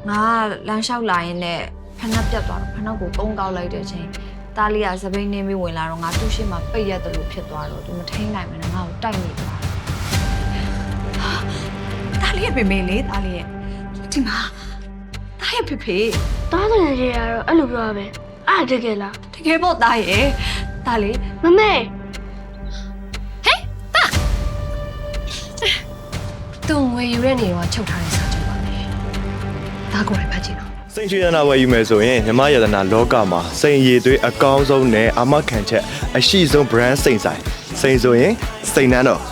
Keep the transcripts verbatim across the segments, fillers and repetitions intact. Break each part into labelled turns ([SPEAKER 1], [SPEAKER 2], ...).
[SPEAKER 1] ငါလမ်းလျှောက်လာရင်လည်းဖနှက်ပြတ်သွားတော့ဖနှက်ကိုကုန်းကောက်လိုက်တဲ့အချိန်တားလေးကစပိန်နေပြီးဝင်လာတော့ငါသူ့ရှိမှပိတ်ရတယ်လို့ဖြစ်သွားတော့သူမထိန်နိုင်မနဲ့ငါ့ကိုတိုက်နေသွားတားလေးရဲ့ပေမေလေးတားလေးရဲ့ဒီမှာတားရဲ့ဖေဖေ
[SPEAKER 2] တားတယ်ကြီးကတော့အဲ့လိုပြောရပဲအားတကယ်လား
[SPEAKER 1] တကယ်ပေါ့တားရဲ့တားလေး
[SPEAKER 2] မမေ
[SPEAKER 3] ဟေးတာတုံဝေယူတဲ့နေတော့ချုပ်ထားတဲ့စာချုပ်ပါလေဒါကိုလည်းဖတ်ကြည့်တော့
[SPEAKER 4] စိန်ရွှေရတနာဝယ်ယူမယ်ဆိုရင်မြမရတနာလောကမှာစိန်ရည်သွေးအကောင်းဆုံးနဲ့အာမခံချက်အရှိဆုံး brand စိန်ဆိုင်စိန်ဆိုရင်စိန်နန်းတော်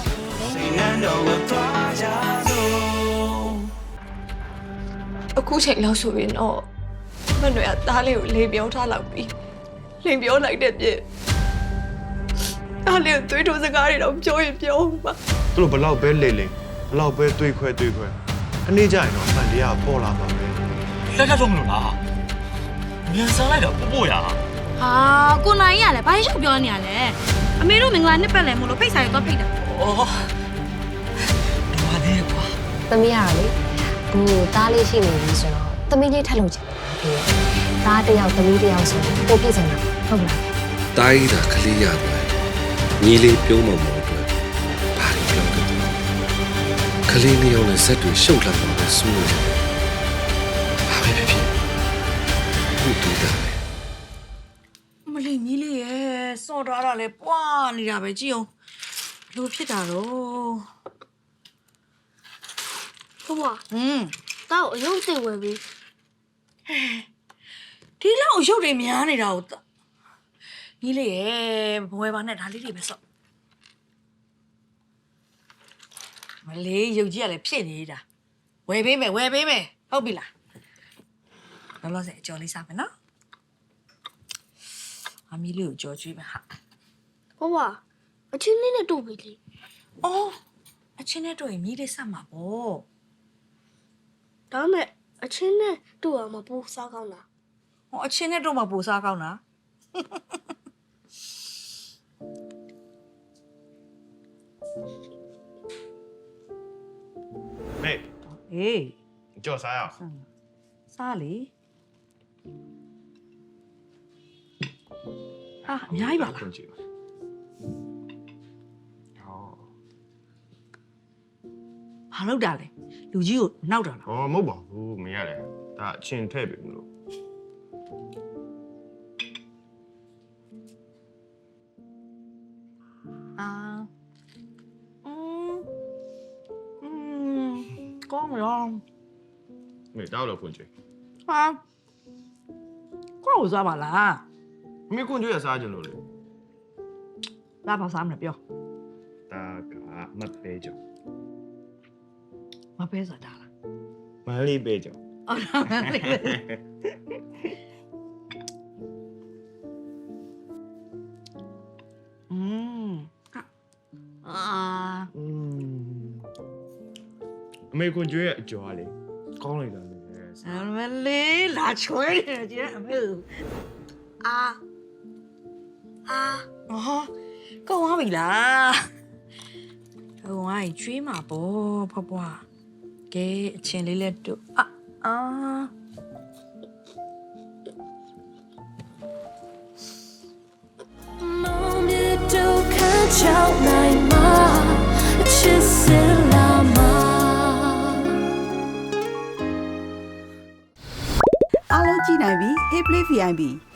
[SPEAKER 1] အခုချိန်လောက်ဆိုရင်တော့မနှွေကသားလေးကိုလေပြောထားလောက်ပြီးလိန်ပြောလိုက်တဲ့ပြည့်သားလေးကိုသွေးထိုးစကားတွေတော့ပြောရင်ပြောပါ
[SPEAKER 4] သူတို့ဘလောက်ပဲလေလေဘလောက်ပဲတွေးခွဲတွေးခွဲအနေကြရင်တော့အမှန်တရားပေါ်လာပါပဲ
[SPEAKER 5] လက်ထပ်ဆုံးမလို့လားမြန်ဆန်လိုက်တော့ပို့ပို့ရ
[SPEAKER 3] ဟာကိုနိုင်ရလဲဘာရှောက်ပြောနေရလဲအမေတို့မင်္ဂလာနှစ်ပတ်လည်မို့လို့ဖိတ်စာတွေတော့ဖိတ်တာ
[SPEAKER 5] ဩဒီမှာနေကွာ
[SPEAKER 6] သမီးရလေဘူတားလေးရှိနေပြီဆိုတော့သမီးလေးထပ်လို့ချင်တယ်တားတယောက်သမီးတယောက်ဆိုပိုပြည့်စုံတာဟုတ်လား
[SPEAKER 7] တားကြီးတာကလေးရတယ်ညီလေးပြုံးမမောအတွက်ဘာလို့ပြောကြလဲကလေးမျိုးရောနဲ့ဇက်တွေရှုပ်လာတော့ပဲစူးနေတယ်ဘာပဲဖြစ်ဖြစ်ဘူးတူတာ
[SPEAKER 1] မလေးကြီးလေးရဲ့စော်ထားတာလဲပွားနေတာပဲကြည့်အောင်လိုဖြစ်တာတော့
[SPEAKER 2] ဟုတ်ပါ
[SPEAKER 1] ဟွန်း
[SPEAKER 2] တောက်အယုံစိတ်ဝယ်ပြီး
[SPEAKER 1] ဒီလောက်အရုပ်တွေများနေတာကိုကြီးလေးရဲ့ဘဝပါနဲ့ဒါလေးတွေပဲစော့မလေးရုပ်ကြီးကလည်းဖြစ်နေတာဝယ်ပေးမယ်ဝယ်ပေးမယ်ဟုတ်ပြီလားလောလောဆယ်အကျော်လေးစားမယ်နော်အမီလေးကိုကြော်ကျွေးမယ်ဟာ
[SPEAKER 2] ဟုတ်ပါအချင်းလေးနဲ့တို့ပြီလေ
[SPEAKER 1] အော်အချင်းနဲ့တို့ရင်မြည်လေးဆက်မှာပေါ့
[SPEAKER 2] ဒါမဲ့အချင်းနဲ့တို့အောင်မပူစားကောင်းလား
[SPEAKER 1] ဟောအချင်းနဲ့တို့မှပူစားကောင်းလား
[SPEAKER 4] မေ
[SPEAKER 1] အေး
[SPEAKER 4] ကြော်စားရအောင်
[SPEAKER 1] စားလေဟာအများကြီးပါလားဟောဘာလုပ်တာလဲလူကြီးကိုနောက်တာလား
[SPEAKER 4] ဟောမဟုတ်ပါဘူးမရတယ်ဒါအချင်းထည့်ပြီမလို့
[SPEAKER 1] အာอืมอืมကောင်းရော
[SPEAKER 4] မေတောက်လို့ခွန်ချွေ
[SPEAKER 1] ဟာကောင်းစားပါလား
[SPEAKER 4] မေခွန်ချွေရစားကြလို့လေ
[SPEAKER 1] လာပါစားမလို့ပြော
[SPEAKER 4] ဒါကမပဲကြောင်
[SPEAKER 1] မပဲစားတာလား
[SPEAKER 4] မလေးပဲကြောင်
[SPEAKER 1] အော်မလေးပဲอืมအာ
[SPEAKER 4] อืมအမေခွန်ချွေရအကျော်လေကောင်းလိုက်တာလေ
[SPEAKER 1] အမလေးလာချွေးနေကြအမေအာအာအော်ကောင်းပါပြီလားကောင်းပါကျွေးမှာပေါ့ဖွားဖွားကဲအချင်းလေးလက်တို့အာအာ
[SPEAKER 8] အားလုံးကြည့်နိုင်ပြီ Hey Play ဗီ အိုင် ပီ